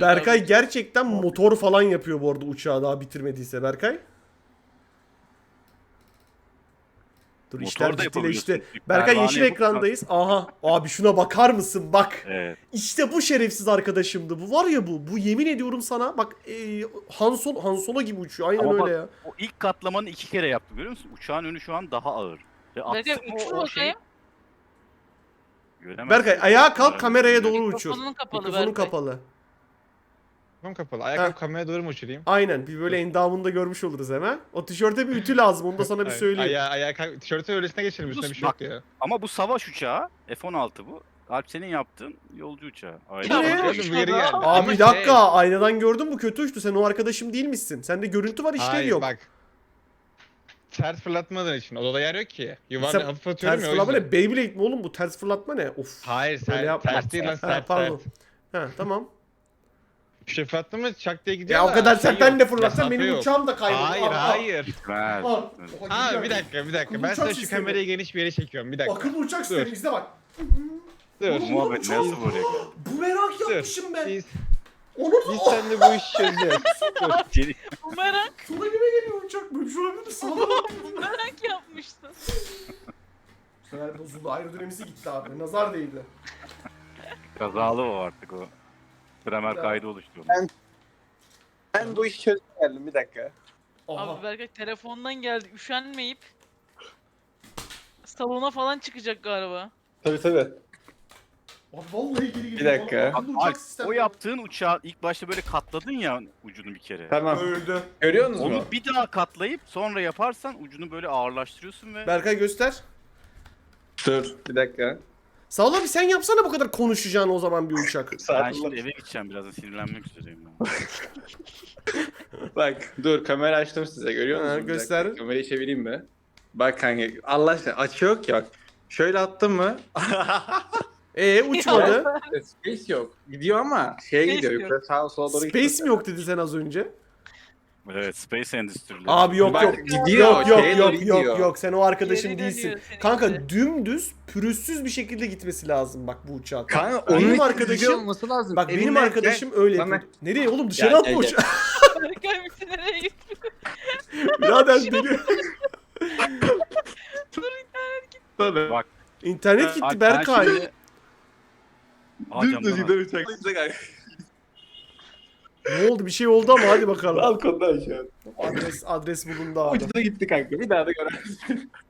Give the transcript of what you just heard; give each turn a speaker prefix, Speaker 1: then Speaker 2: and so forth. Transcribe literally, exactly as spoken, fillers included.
Speaker 1: Berkay
Speaker 2: abi.
Speaker 1: gerçekten motor falan yapıyor bu arada uçağı daha bitirmediyse Berkay. Dur
Speaker 3: Motor
Speaker 1: işler
Speaker 3: da
Speaker 1: ciddileşti.
Speaker 3: yapabiliyorsun. Bir
Speaker 1: Berkay
Speaker 3: pervane
Speaker 1: yeşil
Speaker 3: yapıp-
Speaker 1: ekrandayız. Aha abi şuna bakar mısın bak.
Speaker 3: Evet.
Speaker 1: İşte bu şerefsiz arkadaşımdı. Bu var ya bu. Bu yemin ediyorum sana bak e, Han, Solo, Han Solo gibi uçuyor. Aynen
Speaker 3: Ama
Speaker 1: öyle
Speaker 3: bak,
Speaker 1: ya.
Speaker 3: o ilk katlamanı iki kere yaptı görüyor musun? Uçağın önü şu an daha ağır. Ve
Speaker 2: Berkay
Speaker 3: atsın
Speaker 2: uçur
Speaker 3: o, o şey.
Speaker 2: bakayım.
Speaker 3: Göremezsin.
Speaker 1: Berkay ayağa kalk kameraya doğru uçur.
Speaker 2: Mikrofonun kapalı
Speaker 1: Mikrofonun
Speaker 2: Berkay.
Speaker 1: kapalı.
Speaker 4: Tamam kapalı.
Speaker 1: Ha.
Speaker 4: Ayakkabı kameraya doğru mu uçurayım?
Speaker 1: Aynen bir böyle endamını da görmüş oluruz hemen. O tişörte bir ütü lazım onu da sana bir
Speaker 4: Ay-
Speaker 1: söyleyeyim.
Speaker 4: Ayağı, ayağı, ka- tişörtün öylesine geçelim üstüne bir şey yok
Speaker 3: Bak.
Speaker 4: ya.
Speaker 3: Ama bu savaş uçağı F on altı bu. Alp senin yaptığın yolcu uçağı. Aynen.
Speaker 1: Bu ne?
Speaker 2: Ya,
Speaker 4: Bakıyordum, bu geri geldi.
Speaker 1: Abi
Speaker 4: Ama
Speaker 1: bir
Speaker 4: şey-
Speaker 1: dakika aynadan gördün bu kötü uçtu. Sen o arkadaşım değil misin? Sende görüntü var işlev
Speaker 4: Hayır
Speaker 1: yok.
Speaker 4: bak. Ters fırlatmadığın için odada yer yok ki. Yuvarla
Speaker 1: Sen
Speaker 4: hafif atıyorum
Speaker 1: Ters
Speaker 4: ya o
Speaker 1: fırlatma
Speaker 4: yüzden.
Speaker 1: ne? Beyblade mi oğlum bu? Ters fırlatma ne? Of.
Speaker 4: Hayır
Speaker 1: Öyle
Speaker 4: sen,
Speaker 1: yapma.
Speaker 4: ters değil lan
Speaker 1: Ha,
Speaker 4: sert
Speaker 1: pardon.
Speaker 4: sert.
Speaker 1: Ha tamam.
Speaker 4: Bir şey fırlattın mı çak diye gidiyor
Speaker 1: Ya o
Speaker 4: da
Speaker 1: kadar
Speaker 4: şey
Speaker 1: sen
Speaker 4: yok,
Speaker 1: ben de fırlatsan
Speaker 4: mesafe
Speaker 1: benim
Speaker 4: yok.
Speaker 1: uçağım da kaybolur.
Speaker 4: Hayır
Speaker 1: Aa, aa.
Speaker 4: hayır.
Speaker 3: Gitmez.
Speaker 1: Aa,
Speaker 4: Ha bir dakika bir dakika. Ben
Speaker 1: Uçak
Speaker 4: sana şu
Speaker 1: sistemi.
Speaker 4: kamerayı geniş bir yere çekiyorum. Bir dakika.
Speaker 1: Akıllı uçak
Speaker 4: Dur.
Speaker 1: sistemi izle bak.
Speaker 4: Dur.
Speaker 1: Oğlum,
Speaker 3: Muhabbet
Speaker 1: uçak-
Speaker 3: nasıl buraya geldi?
Speaker 1: Bu merak
Speaker 4: Dur.
Speaker 1: yapmışım ben.
Speaker 4: Biz,
Speaker 1: Onu
Speaker 4: biz
Speaker 1: da
Speaker 4: seninle bu işi çözeceğiz.
Speaker 3: Seni-
Speaker 2: Bumerang.
Speaker 1: sola gibi geliyor uçak. Böyle bir şey olabilir mi? Sağda.
Speaker 2: Bumerang yapmıştın.
Speaker 1: Bu sefer bozuldu. Aerodinamisi gitti abi. Nazar değdi.
Speaker 3: Kazalı o artık o. Bremer
Speaker 1: Ya.
Speaker 3: kaydı oluştu.
Speaker 5: Ben- Ben bu işi çözmeye geldim bir dakika.
Speaker 1: Aha.
Speaker 2: Abi Berkay telefondan geldi. Üşenmeyip salona falan çıkacak galiba.
Speaker 5: Tabii tabii.
Speaker 1: Abi vallahi geri geliyor.
Speaker 5: Bir dakika.
Speaker 1: Akıllı uçak
Speaker 3: Alp,
Speaker 1: sistemi.
Speaker 3: o yaptığın uçağı ilk başta böyle katladın ya ucunu bir kere.
Speaker 5: Tamam.
Speaker 1: Öldü.
Speaker 5: Görüyor musunuz
Speaker 3: Onu
Speaker 5: mu?
Speaker 3: bir daha katlayıp sonra yaparsan ucunu böyle ağırlaştırıyorsun ve
Speaker 1: Berkay göster.
Speaker 5: Dur bir dakika.
Speaker 1: Sağ ol abi sen yapsana bu kadar konuşacağını o zaman bir uçak.
Speaker 3: ben
Speaker 5: Sadullah.
Speaker 3: şimdi eve gideceğim birazdan sinirlenmek üzereyim ben.
Speaker 5: Bak dur kamera açtım size görüyor
Speaker 1: Ha,
Speaker 5: musunuz? Bir
Speaker 1: göster.
Speaker 5: dakika, kamerayı çevireyim mi? Bak kanka Allah aşkına açı yok ki bak. Şöyle attım mı?
Speaker 1: Ee uçmadı.
Speaker 5: Space yok. Gidiyor ama şeye
Speaker 2: Space
Speaker 5: gidiyor.
Speaker 2: yok.
Speaker 5: Yukarı sağa sola doğru gidiyor.
Speaker 1: Space mi yok dedi sen az önce?
Speaker 3: Evet Space Endüstrileri.
Speaker 1: Abi yok
Speaker 5: Bak,
Speaker 1: yok.
Speaker 5: gidiyor,
Speaker 1: Yok yok
Speaker 5: şeye
Speaker 1: yok
Speaker 5: doğru gidiyor.
Speaker 1: yok yok sen o arkadaşım
Speaker 2: Geri
Speaker 1: değilsin.
Speaker 2: dönüyor seninki.
Speaker 1: Kanka dümdüz pürüzsüz bir şekilde gitmesi lazım bak bu uçağın.
Speaker 5: Kanka
Speaker 1: Benim
Speaker 5: onun için
Speaker 1: arkadaşım-
Speaker 5: gidiyor olması lazım.
Speaker 1: Bak benim
Speaker 5: Eline
Speaker 1: arkadaşım öyle
Speaker 5: Bana-
Speaker 1: yapıyor. Nereye oğlum dışarı
Speaker 5: Gel,
Speaker 1: atma
Speaker 5: gel,
Speaker 1: uçağı.
Speaker 2: Berkay bizi nereye gitti?
Speaker 1: Birader deli.
Speaker 5: Tabii.
Speaker 3: Bak,
Speaker 1: İnternet
Speaker 3: Alp,
Speaker 1: gitti
Speaker 3: ben
Speaker 1: Berkay.
Speaker 3: şimdi- Aa,
Speaker 5: Düz
Speaker 3: camdan
Speaker 5: düz
Speaker 3: al.
Speaker 5: gider uçak. Uçak kanka.
Speaker 1: Ne oldu bir şey oldu ama hadi bakalım.
Speaker 5: Balkonda şu an.
Speaker 1: Adres adres bulundu abi.
Speaker 5: Ucuna gitti kanka. Bir daha da göremezsin.